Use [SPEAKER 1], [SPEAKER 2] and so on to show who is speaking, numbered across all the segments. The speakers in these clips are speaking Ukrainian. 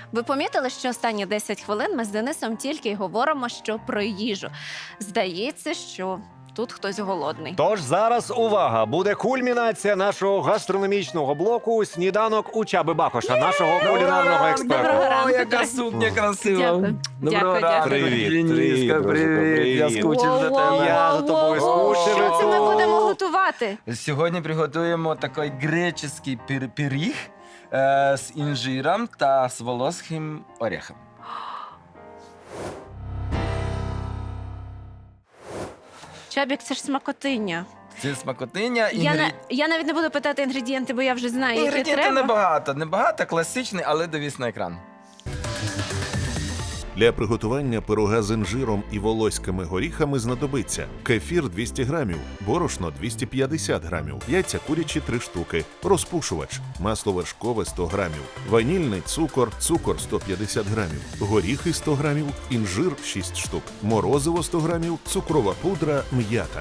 [SPEAKER 1] Ви помітили, що останні 10 хвилин ми з Денисом тільки й говоримо, що про їжу. Здається, що тут хтось голодний.
[SPEAKER 2] Тож зараз увага! Буде кульмінація нашого гастрономічного блоку «Сніданок у Чаби Бакоша», нашого кулінарного експерта.
[SPEAKER 1] Доброго ранку,
[SPEAKER 3] О, яка
[SPEAKER 1] дорогі.
[SPEAKER 3] сукня красива.
[SPEAKER 1] Дякую.
[SPEAKER 3] Доброго
[SPEAKER 1] Дякую,
[SPEAKER 3] ранку,
[SPEAKER 1] дякую.
[SPEAKER 2] Привіт,
[SPEAKER 3] Дениска,
[SPEAKER 2] друже,
[SPEAKER 3] привіт. Я
[SPEAKER 2] привіт.
[SPEAKER 3] скучив за тебе.
[SPEAKER 2] Я за тобою скучив.
[SPEAKER 1] Що це ми будемо готувати?
[SPEAKER 3] Сьогодні приготуємо такий греческий пиріг з інжиром та з волоським орехом.
[SPEAKER 1] Чабік, це ж смакотиння.
[SPEAKER 3] Це смакотиня.
[SPEAKER 1] Я навіть не буду питати інгредієнти, бо я вже знаю, які
[SPEAKER 3] Інгредієнти
[SPEAKER 1] треба.
[SPEAKER 3] небагато, класичний, але дивись на екран.
[SPEAKER 4] Для приготування пирога з інжиром і волоськими горіхами знадобиться кефір 200 грамів, борошно 250 грамів, яйця курячі 3 штуки, розпушувач, масло вершкове 100 грамів, ванільний цукор, цукор 150 грамів, горіхи 100 грамів, інжир 6 штук, морозиво 100 грамів, цукрова пудра, м'ята.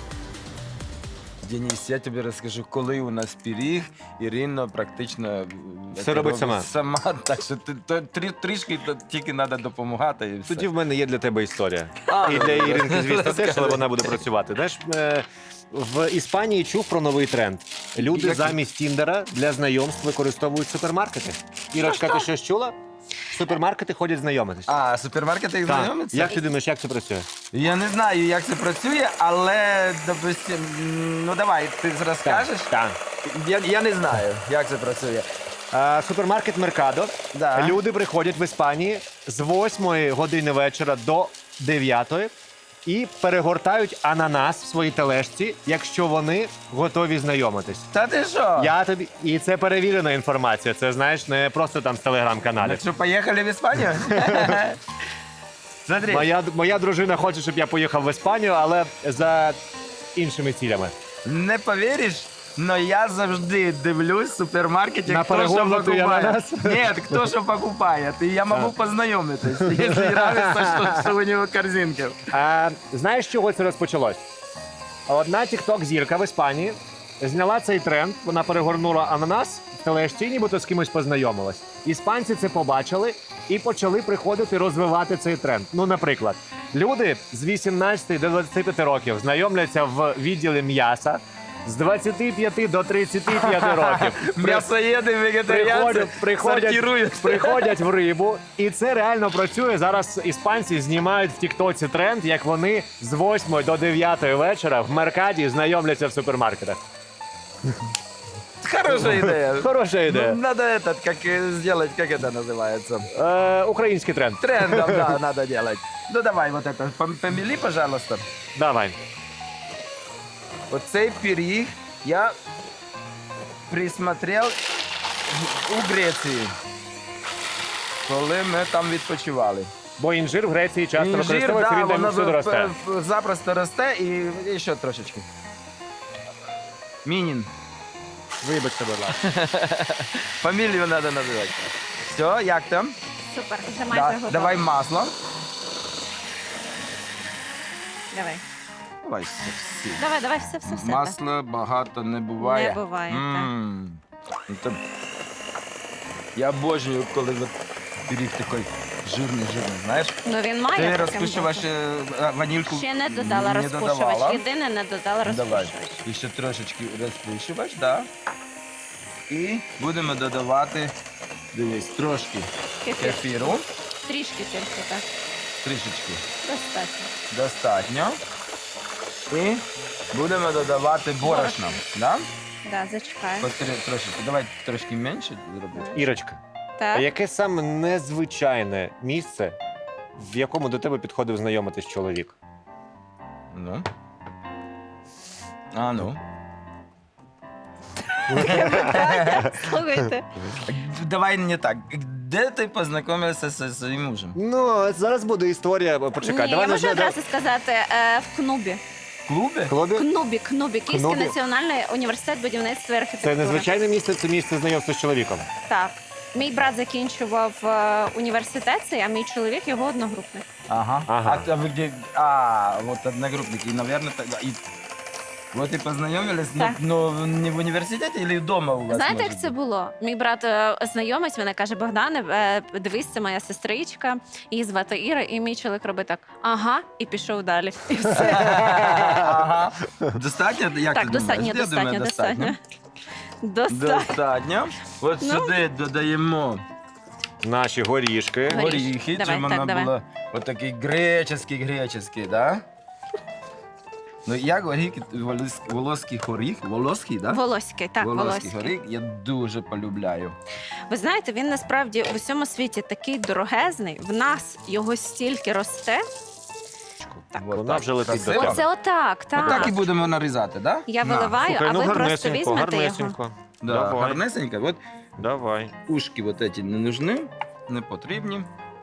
[SPEAKER 3] Денис, я тобі розкажу, коли у нас пиріг, Ірина практично
[SPEAKER 2] Все робить сама.
[SPEAKER 3] Сама, так що трішки тільки треба допомагати і все.
[SPEAKER 2] Тоді в мене є для тебе історія. І для Іринки, звісно, теж, але вона буде працювати. Знаєш, в Іспанії чув про новий тренд. Люди
[SPEAKER 3] Який?
[SPEAKER 2] замість Тіндера для знайомств використовують супермаркети. Ірочка, ти щось чула? В супермаркети ходять знайомитись.
[SPEAKER 3] А, супермаркети їх
[SPEAKER 2] Так.
[SPEAKER 3] знайомиться?
[SPEAKER 2] Як ти думаєш, як це працює?
[SPEAKER 3] Я не знаю, як це працює, але, допустим, ну давай, ти розкажеш?
[SPEAKER 2] Так.
[SPEAKER 3] Я не знаю, як це працює.
[SPEAKER 2] Супермаркет Меркадо.
[SPEAKER 3] Да.
[SPEAKER 2] Люди приходять в Іспанії з 8 години вечора до 9 і перегортають ананас в своїй тележці, якщо вони готові знайомитись.
[SPEAKER 3] Та ти що?
[SPEAKER 2] Я тобі і це перевірена інформація. Це знаєш, не просто там з телеграм-каналів.
[SPEAKER 3] Так що, поїхали в Іспанію? Смотри.
[SPEAKER 2] Моя дружина хоче, щоб я поїхав в Іспанію, але за іншими цілями.
[SPEAKER 3] Не повіриш, но я завжди дивлюсь в супермаркеті,
[SPEAKER 2] На
[SPEAKER 3] хто що
[SPEAKER 2] перегорнутий
[SPEAKER 3] покупає.
[SPEAKER 2] ананас?
[SPEAKER 3] Ні, хто що покупає. І я можу познайомитись, якщо нравиться, що у нього корзинки.
[SPEAKER 2] Знаєш, з чого це розпочалось? Одна тікток-зірка в Іспанії зняла цей тренд, вона перегорнула ананас в тележці, нібито з кимось познайомилась. Іспанці це побачили і почали приходити розвивати цей тренд. Ну, наприклад, люди з 18 до 25 років знайомляться в відділі м'яса, з 25 до 35 років.
[SPEAKER 3] М'ясоєди, вегетаріанці сортирують.
[SPEAKER 2] Приходять в рибу, і це реально працює. Зараз іспанці знімають в тіктоці тренд, як вони з 8 до 9 вечора в Меркаді знайомляться в супермаркетах.
[SPEAKER 3] Хороша ідея.
[SPEAKER 2] Хороша ідея.
[SPEAKER 3] Ну, надо этот, как сделать, как это называется?
[SPEAKER 2] Український тренд.
[SPEAKER 3] Трендом, да, надо делать. Ну давай вот это, помели, пожалуйста.
[SPEAKER 2] Давай.
[SPEAKER 3] Оцей пиріг я присмотрел у Греції, коли ми там відпочивали.
[SPEAKER 2] Бо інжир в Греції часто
[SPEAKER 3] Інжир,
[SPEAKER 2] використовується, він там
[SPEAKER 3] воно
[SPEAKER 2] всюди росте.
[SPEAKER 3] запросто росте і ще трошечки. Мінін.
[SPEAKER 2] Вибачте, будь ласка.
[SPEAKER 3] Фамілію треба називати. Все, як там?
[SPEAKER 1] Супер, вже майже
[SPEAKER 3] Да,
[SPEAKER 1] готово.
[SPEAKER 3] давай масло.
[SPEAKER 1] Давай.
[SPEAKER 3] Давай все.
[SPEAKER 1] Давай, все.
[SPEAKER 3] Масло багато не буває.
[SPEAKER 1] Не буває, так.
[SPEAKER 3] Так. Я обожнюю, коли от пиріг такий жирний, знаєш?
[SPEAKER 1] Ну він має
[SPEAKER 3] Ти
[SPEAKER 1] таким
[SPEAKER 3] розпушувач
[SPEAKER 1] бути.
[SPEAKER 3] ванільку
[SPEAKER 1] Ще не додала
[SPEAKER 3] не
[SPEAKER 1] розпушувач.
[SPEAKER 3] додавала.
[SPEAKER 1] Єдине, не додала
[SPEAKER 3] Давай.
[SPEAKER 1] розпушувач.
[SPEAKER 3] І ще трошечки розпушувач, так. І будемо додавати, дивись, трошки
[SPEAKER 1] Кефір.
[SPEAKER 3] кефіру.
[SPEAKER 1] Трішки тільки, так.
[SPEAKER 3] Трішечки.
[SPEAKER 1] Достатньо.
[SPEAKER 3] Достатньо. І будемо додавати борошно. Да?
[SPEAKER 1] Да, зачекаю.
[SPEAKER 3] Трошечки. Давай трошки менше зробити.
[SPEAKER 2] Ірочка, а
[SPEAKER 1] Так.
[SPEAKER 2] яке саме незвичайне місце, в якому до тебе підходив знайомитись чоловік?
[SPEAKER 3] Ну. А ну.
[SPEAKER 1] Слухайте.
[SPEAKER 3] Давай не так. Де ти познайомився зі своїм мужем?
[SPEAKER 2] Ну, зараз буде історія. Почекай,
[SPEAKER 1] Ні,
[SPEAKER 2] давай
[SPEAKER 1] я можу
[SPEAKER 2] не
[SPEAKER 1] одразу сказати, в Кнубі.
[SPEAKER 3] В клубі?
[SPEAKER 2] Клубі?
[SPEAKER 1] Кнубі. Київський
[SPEAKER 2] Кнубі?
[SPEAKER 1] національний університет будівництва і
[SPEAKER 2] Це
[SPEAKER 1] архітектури.
[SPEAKER 2] незвичайне місце, це місце знайомства з чоловіком.
[SPEAKER 1] Так. Мій брат закінчував університет, цей, а мій чоловік його одногрупник.
[SPEAKER 3] Ага.
[SPEAKER 2] Ага.
[SPEAKER 3] А ви де? А, от одногрупники. І, наверное, і Вот и познайомились,
[SPEAKER 1] Так.
[SPEAKER 3] но не в університеті или вдома у вас?
[SPEAKER 1] Знаєте,
[SPEAKER 3] може
[SPEAKER 1] як це
[SPEAKER 3] бути?
[SPEAKER 1] було? Мій брат знайомець мене каже: Богдане, дивись, це моя сестричка, її звати Іра, і мій чоловік робить так: ага, і пішов далі. І все.
[SPEAKER 3] Ага. Достатньо? Як
[SPEAKER 1] Так,
[SPEAKER 3] ти
[SPEAKER 1] достатньо,
[SPEAKER 3] думаєш? Я думаю,
[SPEAKER 1] достатньо. Достатньо.
[SPEAKER 3] Достатньо. От
[SPEAKER 1] Ну.
[SPEAKER 3] сюди додаємо
[SPEAKER 2] Наші горішки.
[SPEAKER 1] Горішки.
[SPEAKER 3] горіхи,
[SPEAKER 1] Давай,
[SPEAKER 3] щоб
[SPEAKER 1] так,
[SPEAKER 3] вона
[SPEAKER 1] давай.
[SPEAKER 3] була отакий греческий, да? Ну, як горіхи, волоський горіх, волоський, да?
[SPEAKER 1] Волоський, так,
[SPEAKER 3] Волоський
[SPEAKER 1] волоський.
[SPEAKER 3] горіх я дуже полюбляю.
[SPEAKER 1] Ви знаєте, він насправді в усьому світі такий дорогезний. В нас його стільки росте. Так.
[SPEAKER 3] От
[SPEAKER 2] Вона
[SPEAKER 3] так.
[SPEAKER 2] вже летить до
[SPEAKER 3] Красиво?
[SPEAKER 2] тебе.
[SPEAKER 1] Оце отак, так.
[SPEAKER 3] Отак і будемо нарізати, да?
[SPEAKER 1] Я
[SPEAKER 3] На.
[SPEAKER 1] виливаю,
[SPEAKER 2] Слухай,
[SPEAKER 1] а
[SPEAKER 2] ну
[SPEAKER 1] ви просто
[SPEAKER 2] гарнесенько,
[SPEAKER 1] візьмете його.
[SPEAKER 2] гарнесенько.
[SPEAKER 3] Да,
[SPEAKER 2] Давай.
[SPEAKER 3] гарнесенько. От
[SPEAKER 2] Давай.
[SPEAKER 3] ушки вот эти не нужны, не потрібні.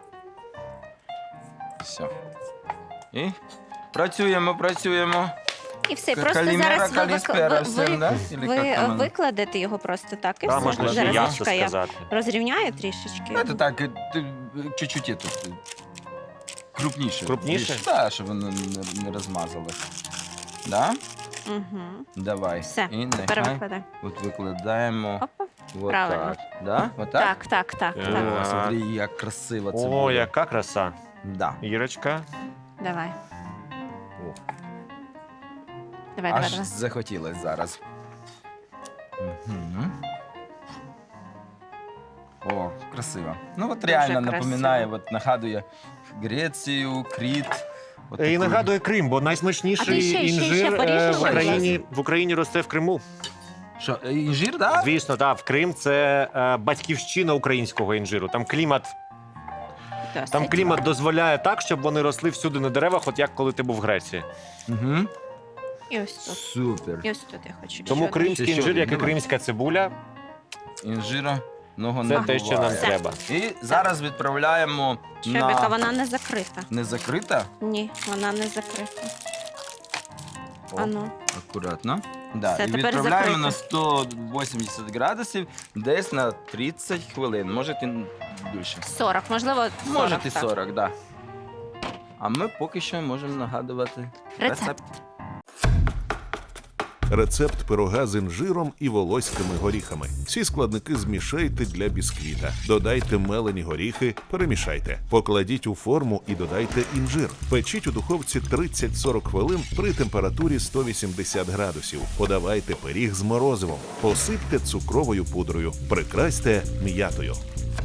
[SPEAKER 3] Все. І працюємо.
[SPEAKER 1] І все, просто
[SPEAKER 3] Калімера,
[SPEAKER 1] зараз
[SPEAKER 3] каліспера всім, да? Или
[SPEAKER 1] ви
[SPEAKER 3] як там воно?
[SPEAKER 1] викладете його просто так, і
[SPEAKER 2] Там
[SPEAKER 1] все.
[SPEAKER 2] можна ще
[SPEAKER 1] Зараз
[SPEAKER 2] ясно
[SPEAKER 1] Мішка, я
[SPEAKER 2] сказати.
[SPEAKER 1] розрівняю трішечки.
[SPEAKER 3] Це так, чуть-чуть тут крупніше.
[SPEAKER 2] Крупніше?
[SPEAKER 3] Так, щоб воно не розмазалося. Да?
[SPEAKER 1] Угу.
[SPEAKER 3] Давай.
[SPEAKER 1] Все,
[SPEAKER 3] І
[SPEAKER 1] тепер
[SPEAKER 3] нехай
[SPEAKER 1] викладай.
[SPEAKER 3] от викладаємо.
[SPEAKER 1] Опа.
[SPEAKER 3] Вот
[SPEAKER 1] Правильно.
[SPEAKER 3] так. Да? Вот так?
[SPEAKER 1] Так.
[SPEAKER 2] Так.
[SPEAKER 3] О, смотри, як красиво це
[SPEAKER 2] О,
[SPEAKER 3] буде.
[SPEAKER 2] яка краса.
[SPEAKER 3] Да.
[SPEAKER 2] Ірочка.
[SPEAKER 1] Давай.
[SPEAKER 3] О,
[SPEAKER 1] Давай.
[SPEAKER 3] аж захотілось зараз. Угу. О, красиво. Ну от
[SPEAKER 1] Дуже
[SPEAKER 3] реально
[SPEAKER 1] красиво.
[SPEAKER 3] напоминає, от нагадує Грецію, Кріт. От
[SPEAKER 2] І
[SPEAKER 3] таку-
[SPEAKER 2] нагадує Крим, бо
[SPEAKER 1] А ти
[SPEAKER 2] найсмачніший
[SPEAKER 1] ще
[SPEAKER 2] інжир
[SPEAKER 1] поріжеш
[SPEAKER 2] в Україні росте в Криму.
[SPEAKER 3] Що, інжир, да?
[SPEAKER 2] Звісно, так, в Крим це батьківщина українського інжиру. Там клімат дозволяє так, щоб вони росли всюди на деревах, от як коли ти був в Греції.
[SPEAKER 3] Угу.
[SPEAKER 1] І ось тут.
[SPEAKER 3] Супер.
[SPEAKER 1] І ось тут я хочу.
[SPEAKER 2] Тому
[SPEAKER 1] ще
[SPEAKER 2] кримський
[SPEAKER 3] Ще
[SPEAKER 2] інжир, як і
[SPEAKER 3] давай.
[SPEAKER 2] кримська цибуля,
[SPEAKER 3] Інжира много
[SPEAKER 2] це
[SPEAKER 3] не
[SPEAKER 2] те, що нам
[SPEAKER 3] буває.
[SPEAKER 2] треба.
[SPEAKER 3] І зараз відправляємо
[SPEAKER 1] Чобіка,
[SPEAKER 3] на...
[SPEAKER 1] вона не закрита.
[SPEAKER 3] Не закрита?
[SPEAKER 1] Ні, вона не закрита.
[SPEAKER 3] О,
[SPEAKER 1] Ану.
[SPEAKER 3] акуратно. Да.
[SPEAKER 1] Все,
[SPEAKER 3] І
[SPEAKER 1] тепер
[SPEAKER 3] відправляємо на
[SPEAKER 1] закрито.
[SPEAKER 3] 180 градусів десь на 30 хвилин. Може і більше.
[SPEAKER 1] 40, можливо, 40.
[SPEAKER 3] Може і
[SPEAKER 1] так.
[SPEAKER 3] 40, да. А ми поки що можемо нагадувати
[SPEAKER 1] Рецепт.
[SPEAKER 4] Рецепт пирога з інжиром і волоськими горіхами. Всі складники змішайте для бісквіта. Додайте мелені горіхи, перемішайте. Покладіть у форму і додайте інжир. Печіть у духовці 30-40 хвилин при температурі 180 градусів. Подавайте пиріг з морозивом. Посипте цукровою пудрою. Прикрасьте м'ятою.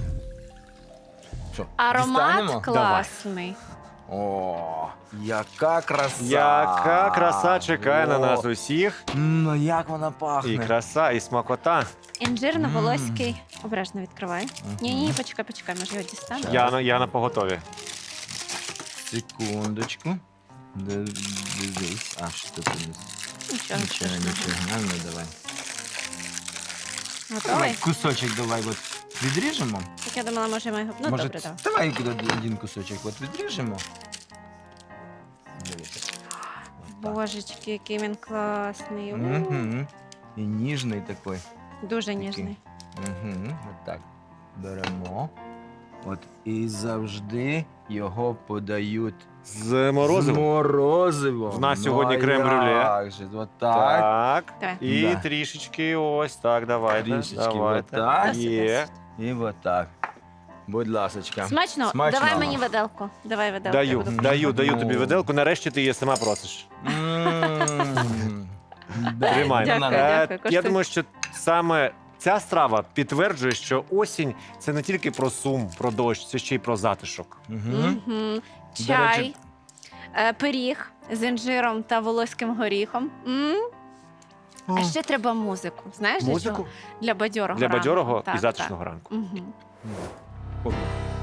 [SPEAKER 3] Що,
[SPEAKER 1] Аромат
[SPEAKER 3] дістанемо?
[SPEAKER 1] класний.
[SPEAKER 3] О, яка краса!
[SPEAKER 2] Яка краса чекає на
[SPEAKER 3] О,
[SPEAKER 2] нас усіх.
[SPEAKER 3] Ну як вона пахне.
[SPEAKER 2] І краса, і смакота.
[SPEAKER 1] Інжирно-волоський. Обережно відкривай. Ні, почекай, може його дістану.
[SPEAKER 2] Я на поготові.
[SPEAKER 3] Секундочку. Дивись. А, що тут у нас?
[SPEAKER 1] Нічого
[SPEAKER 3] Нічого,
[SPEAKER 1] страшного.
[SPEAKER 3] нічого. Ну, давай.
[SPEAKER 1] Готовий?
[SPEAKER 3] Давай кусочок давай от відріжемо.
[SPEAKER 1] Так я думала, може ми його... Ну,
[SPEAKER 3] Може,
[SPEAKER 1] добре, давай.
[SPEAKER 3] давай один кусочок от відріжемо. Дивіться. Отак.
[SPEAKER 1] Божечки, який він класний.
[SPEAKER 3] Мгм. І ніжний такий.
[SPEAKER 1] Дуже ніжний.
[SPEAKER 3] Угу. От так. Беремо. От і завжди його подають
[SPEAKER 2] З
[SPEAKER 3] з
[SPEAKER 2] морозивом.
[SPEAKER 3] морозивом.
[SPEAKER 2] В нас сьогодні
[SPEAKER 3] а
[SPEAKER 2] крем-брюле.
[SPEAKER 3] як же, от так.
[SPEAKER 2] Так.
[SPEAKER 1] Давай.
[SPEAKER 2] І
[SPEAKER 3] Да.
[SPEAKER 2] трішечки ось так, давайте.
[SPEAKER 3] Трішечки
[SPEAKER 2] давайте.
[SPEAKER 3] отак.
[SPEAKER 2] Є.
[SPEAKER 3] І от так. Будь ласочка.
[SPEAKER 1] Смачно?
[SPEAKER 3] Смачного.
[SPEAKER 1] Давай мені виделку. Давай виделку. я буду
[SPEAKER 2] Даю
[SPEAKER 3] Ну.
[SPEAKER 2] тобі виделку. Нарешті ти її сама просиш. Тримай.
[SPEAKER 1] Дякую,
[SPEAKER 2] Я
[SPEAKER 1] коштуй.
[SPEAKER 2] думаю, що саме ця страва підтверджує, що осінь це не тільки про сум, про дощ, це ще й про затишок.
[SPEAKER 1] Мгм.
[SPEAKER 3] До
[SPEAKER 1] Чай,
[SPEAKER 3] речі-
[SPEAKER 1] пиріг з інжиром та волоським горіхом. А ще треба музику. Знаєш, для чого?
[SPEAKER 2] Музику
[SPEAKER 1] Для бадьорого
[SPEAKER 2] для
[SPEAKER 1] ранку.
[SPEAKER 2] бадьорого
[SPEAKER 1] Так,
[SPEAKER 2] і затишного ранку.
[SPEAKER 1] так. Мгм.
[SPEAKER 3] О,